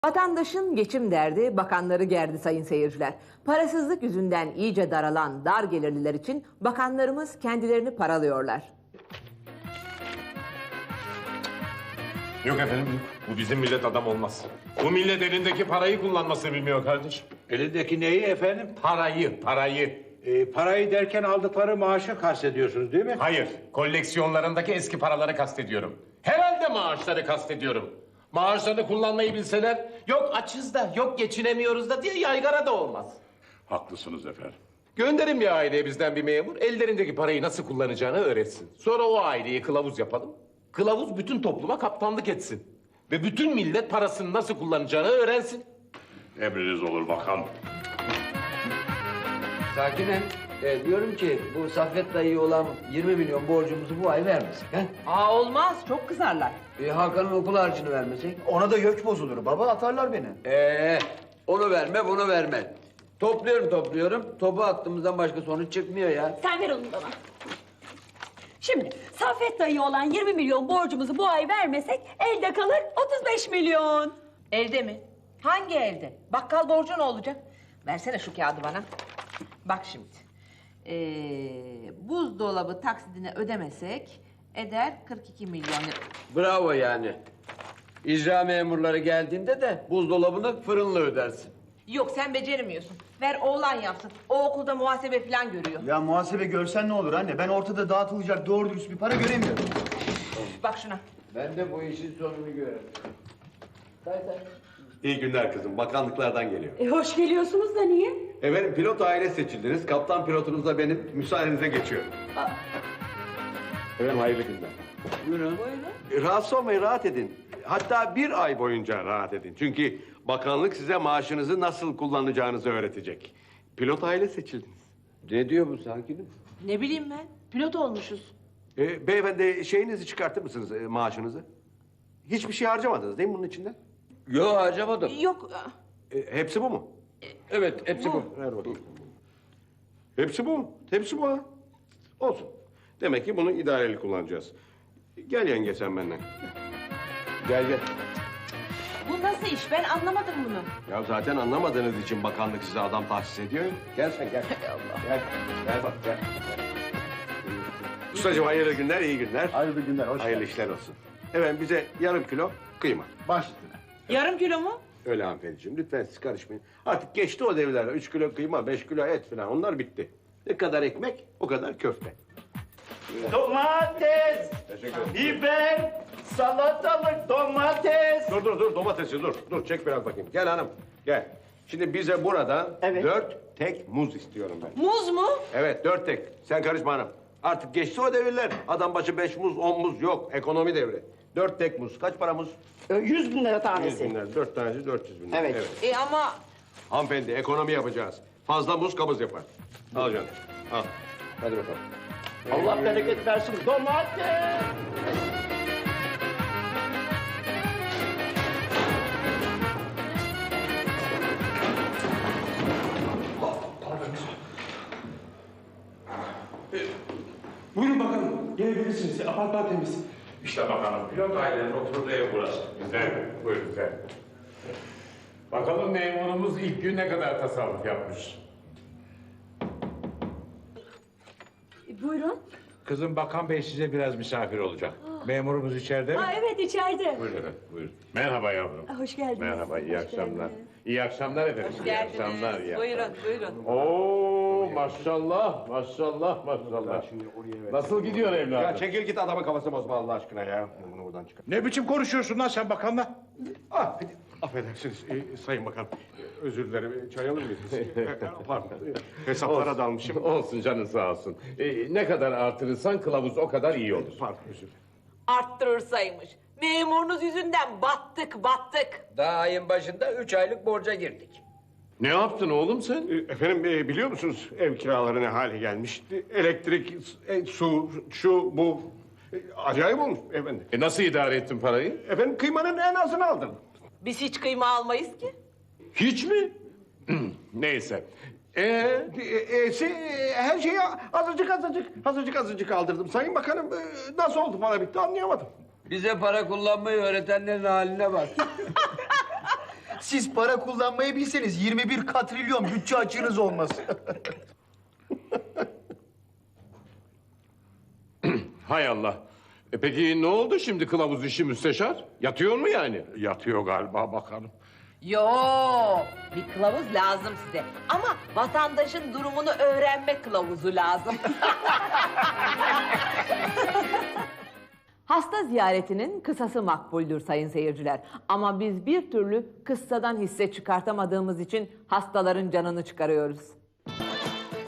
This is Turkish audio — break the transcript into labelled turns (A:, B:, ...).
A: Vatandaşın geçim derdi bakanları gerdi sayın seyirciler. Parasızlık yüzünden iyice daralan dar gelirliler için bakanlarımız kendilerini paralıyorlar.
B: Yok efendim, bu bizim millet adam olmaz. Bu millet elindeki parayı kullanmasını bilmiyor kardeşim.
C: Elindeki neyi efendim?
B: Parayı.
C: Parayı derken aldıkları maaşı kastediyorsunuz değil mi?
B: Hayır, koleksiyonlarındaki eski paraları kastediyorum. Herhalde maaşları kastediyorum. Maaşlarını kullanmayı bilseler, yok açız da, yok geçinemiyoruz da diye yaygara da olmaz.
D: Haklısınız efendim.
B: Gönderin bir aileye bizden bir memur, ellerindeki parayı nasıl kullanacağını öğretsin. Sonra o aileyi kılavuz yapalım. Kılavuz bütün topluma kaptanlık etsin. Ve bütün millet parasını nasıl kullanacağını öğrensin.
D: Emriniz olur bakan.
E: Sakinen diyorum ki bu Saffet dayıya olan 20 milyon borcumuzu bu ay vermesek. He?
A: Olmaz, çok kızarlar.
E: Hakan'ın okul harcını vermesek.
F: Ona da gök bozulur baba, atarlar beni.
E: Onu verme bunu verme. Topluyorum. Topu attığımızdan başka sonuç çıkmıyor ya.
G: Sen ver onu bana. Şimdi Saffet dayı olan 20 milyon borcumuzu bu ay vermesek elde kalır 35 milyon.
A: Elde mi? Hangi elde? Bakkal borcu ne olacak? Versene şu kağıdı bana. Bak şimdi. Buzdolabı taksidini ödemesek eder 42 milyon lira.
E: Bravo yani. İcra memurları geldiğinde de buzdolabını fırınla ödersin.
A: Yok sen beceremiyorsun. Ver oğlan yapsın. O okulda muhasebe falan görüyor.
F: Ya muhasebe görsen ne olur anne? Ben ortada dağıtılacak doğru dürüst bir para göremiyorum.
A: Bak şuna.
E: Ben de bu işin sonunu görelim. Say.
H: İyi günler kızım. Bakanlıklardan geliyor.
G: Hoş geliyorsunuz da niye?
H: Efendim pilot aile seçildiniz. Kaptan pilotunuz da benim. Müsaadenize geçiyor. Efendim hayırlı günler.
E: Buyurun.
H: Rahatsız olmayın, rahat edin. Hatta bir ay boyunca rahat edin. Çünkü bakanlık size maaşınızı nasıl kullanacağınızı öğretecek. Pilot aile seçildiniz.
E: Ne diyor bu sakinim?
A: Ne bileyim ben. Pilot olmuşuz.
H: Beyefendi şeyinizi çıkartır mısınız maaşınızı? Hiçbir şey harcamadınız değil mi bunun içinden?
E: Yok harcamadım.
A: Yok.
H: Hepsi bu mu?
E: Evet hepsi bu.
H: Ver bakayım. Hepsi bu mu? Hepsi bu ha. Olsun. Demek ki bunu idareli kullanacağız. Gel yenge sen benden. Gel.
A: Bu nasıl iş? Ben anlamadım bunu.
H: Ya zaten anlamadığınız için bakanlık size adam tahsis ediyor. Gel sen gel. Gel. Gel bak gel. Ustacığım hayırlı günler, iyi günler.
F: Hayırlı günler, hoş
H: Hayırlı işler olsun. Evet bize yarım kilo kıyma.
F: Baş üstüne.
A: Yarım kilo mu?
H: Öyle hanımefendiciğim lütfen siz karışmayın. Artık geçti o devirler. 3 kilo kıyma, 5 kilo et falan onlar bitti. Ne kadar ekmek o kadar köfte.
C: Domates, biber, salatalık, domates.
H: Dur domatesi dur çek biraz bakayım. Gel hanım gel. Şimdi bize buradan
C: Evet.
H: 4 tek muz istiyorum ben.
A: Muz mu?
H: Evet 4 tek. Sen karışma hanım. Artık geçti o devirler. Adam başı 5 muz 10 muz yok. Ekonomi devri. 4 tek muz. Kaç para muz?
C: 100 bin lira
H: 100
C: tanesi.
H: bin lira. 4 tanesi 400 bin lira.
C: Evet.
A: Ama
H: Hanımefendi ekonomi yapacağız. Fazla muz kabız yapar. Al canım. Al. Hadi bakalım.
C: Allah bereket versin. Domates.
I: Buyurun bakalım, gelebilirsiniz. Apartman temiz.
B: İşte bakalım, pilot ailenin oturduğu ev burası. Güzel, buyurun güzel. Bakalım memurumuz ilk gün ne kadar tasarruf yapmış.
G: Buyurun.
C: Kızım bakan bey size biraz misafir olacak. Memurumuz içeride mi?
G: Evet içeride.
B: Buyurun efendim, buyurun. Merhaba yavrum.
G: Hoş geldiniz.
B: Merhaba, iyi
G: Hoş
B: akşamlar.
G: geldiniz.
B: İyi akşamlar efendim. İyi akşamlar. iyi
A: Buyurun,
B: akşamlar.
A: buyurun.
B: Oo maşallah, maşallah. Nasıl gidiyor evladım?
H: Ya çekil git adamın kafasını bozma Allah aşkına ya. Bunu buradan çıkar.
C: Ne biçim konuşuyorsun lan sen bakanla?
H: Affedersiniz Sayın Bakan. Özür dilerim. Çay alır mıydınız? Pardon. Hesaplara dalmışım.
B: Olsun canın sağ olsun. Ne kadar artırırsan kılavuz o kadar iyi olur.
H: Pardon özür dilerim.
A: Arttırırsaymış. Memurunuz yüzünden battık.
E: Daha ayın başında 3 aylık borca girdik.
B: Ne yaptın oğlum sen?
H: Efendim biliyor musunuz ev kiraları ne hale gelmiş? Elektrik, su, şu, bu. Acayip olmuş efendim.
B: Nasıl idare ettin parayı?
H: Efendim kıymanın en azını aldım.
A: Biz hiç kıyma almayız ki.
B: Hiç mi? Neyse.
H: Her şeyi azıcık aldırdım. Sayın Bakanım nasıl oldu para bitti anlayamadım.
E: Bize para kullanmayı öğretenlerin haline bak.
F: Siz para kullanmayı bilseniz 21 katrilyon bütçe açığınız olmaz.
B: Hay Allah. Peki ne oldu şimdi kılavuz işi müsteşar? Yatıyor mu yani?
D: Yatıyor galiba bakanım.
A: Yo, bir kılavuz lazım size. Ama vatandaşın durumunu öğrenme kılavuzu lazım. Hasta ziyaretinin kısası makbuldür sayın seyirciler. Ama biz bir türlü kıssadan hisse çıkartamadığımız için hastaların canını çıkarıyoruz.